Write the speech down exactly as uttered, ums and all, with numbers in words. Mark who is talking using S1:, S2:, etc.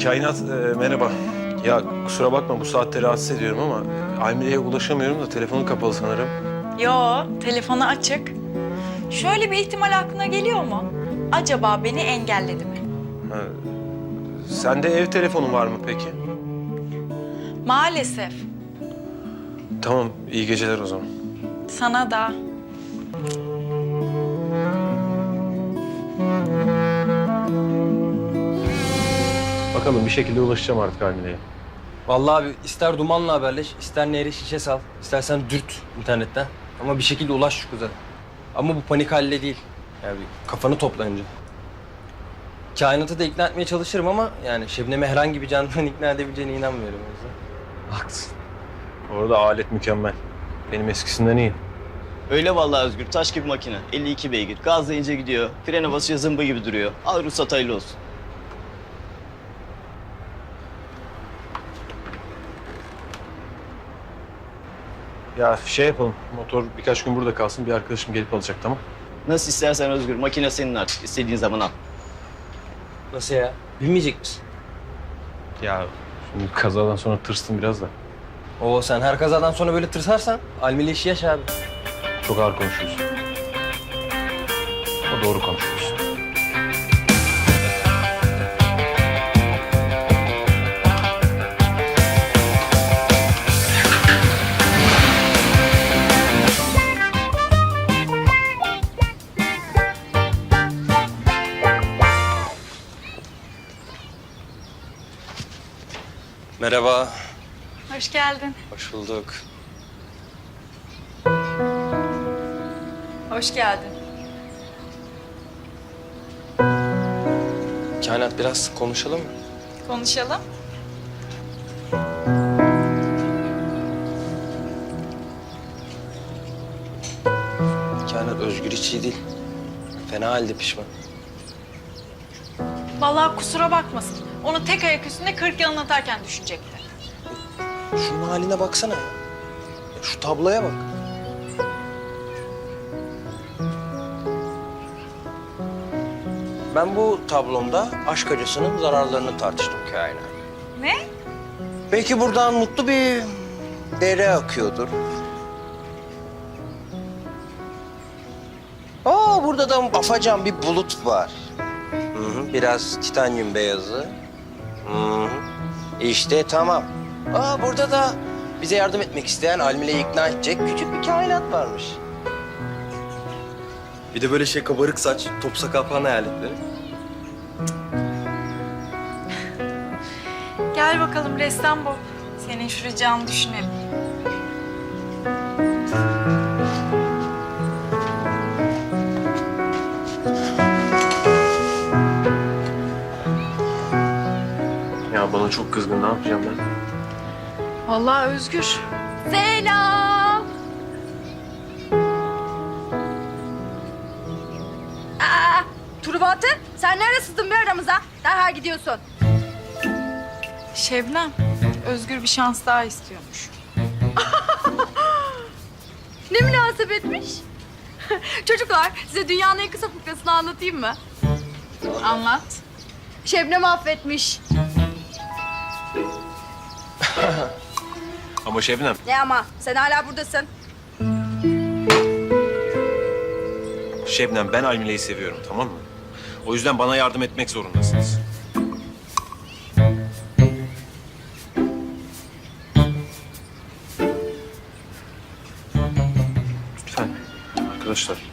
S1: Kainat, e, merhaba. Ya kusura bakma bu saatte rahatsız ediyorum ama e, Almile'ye ulaşamıyorum da telefonu kapalı sanırım.
S2: Yo, telefonu açık. Şöyle bir ihtimal aklına geliyor mu? Acaba beni engelledi mi?
S1: Ha, sende ev telefonu var mı peki?
S2: Maalesef.
S1: Tamam, iyi geceler o zaman.
S2: Sana da.
S1: Bakalım bir şekilde ulaşacağım artık Almile'ye.
S3: Vallahi abi ister dumanla haberleş, ister nehre şişe sal, istersen dürt internetten. Ama bir şekilde ulaş şu kıza. Ama bu panik halle değil. Yani bir kafanı topla önce. Kainatı da ikna etmeye çalışırım ama yani Şebnem'i herhangi bir canlıdan ikna edebileceğine inanmıyorum o yüzden.
S1: Haklısın. Orada alet mükemmel. Benim eskisinden iyi.
S4: Öyle vallahi Özgür. Taş gibi makine. elli iki beygir. Gazlayınca gidiyor. Frene basınca zımba gibi duruyor. Al ruhsat hayırlı olsun.
S1: Ya şey yapalım, motor birkaç gün burada kalsın. Bir arkadaşım gelip alacak, tamam?
S4: Nasıl istersen Özgür. Makine senin artık. İstediğin zaman al.
S3: Nasıl ya? Bilmeyecek misin?
S1: Ya şimdi kazadan sonra tırstım biraz da.
S3: Oo sen her kazadan sonra böyle tırsarsan Almili işi yaş abi.
S1: Çok ağır konuşuyorsun. O doğru konuşuyorsun.
S3: Merhaba.
S2: Hoş geldin.
S3: Hoş bulduk.
S2: Hoş geldin.
S3: Kainat biraz konuşalım mı?
S2: Konuşalım.
S3: Kainat Özgür hiç iyi değil. Fena halde pişman.
S2: Vallahi kusura bakmasın. Onu tek ayak üstünde kırk yılın atarken düşünecekti.
S3: Şunun haline baksana ya. Ya şu tabloya bak. Ben bu tablomda aşk acısının zararlarını tartıştım Kainat.
S2: Ne?
S3: Belki buradan mutlu bir dere akıyordur. Aa burada da afacan bir bulut var. Hı hı, biraz titanyum beyazı. Hı hı. İşte tamam. Aa burada da bize yardım etmek isteyen Almile'yi ikna edecek küçük bir kainat varmış. Bir de böyle şey kabarık saç, top sakal falan hayaletleri.
S2: Gel bakalım ressam bu. Senin şu ricanı düşünelim.
S1: Ya bana çok kızgın, ne yapacağım ben?
S2: Vallahi Özgür.
S5: Selam. Aa, Turubatı, sen neredesin bir aramıza? Derhal gidiyorsun.
S2: Şebnem, Özgür bir şans daha istiyormuş.
S5: Ne münasebetmiş? Çocuklar, size dünyanın en kısa fıkrasını anlatayım mı?
S2: Anlat.
S5: Şebnem affetmiş.
S1: Ama Şebnem,
S5: Ne ama? Sen hala buradasın.
S1: Şebnem ben Almile'yi seviyorum, tamam mı? O yüzden bana yardım etmek zorundasınız. Lütfen arkadaşlar.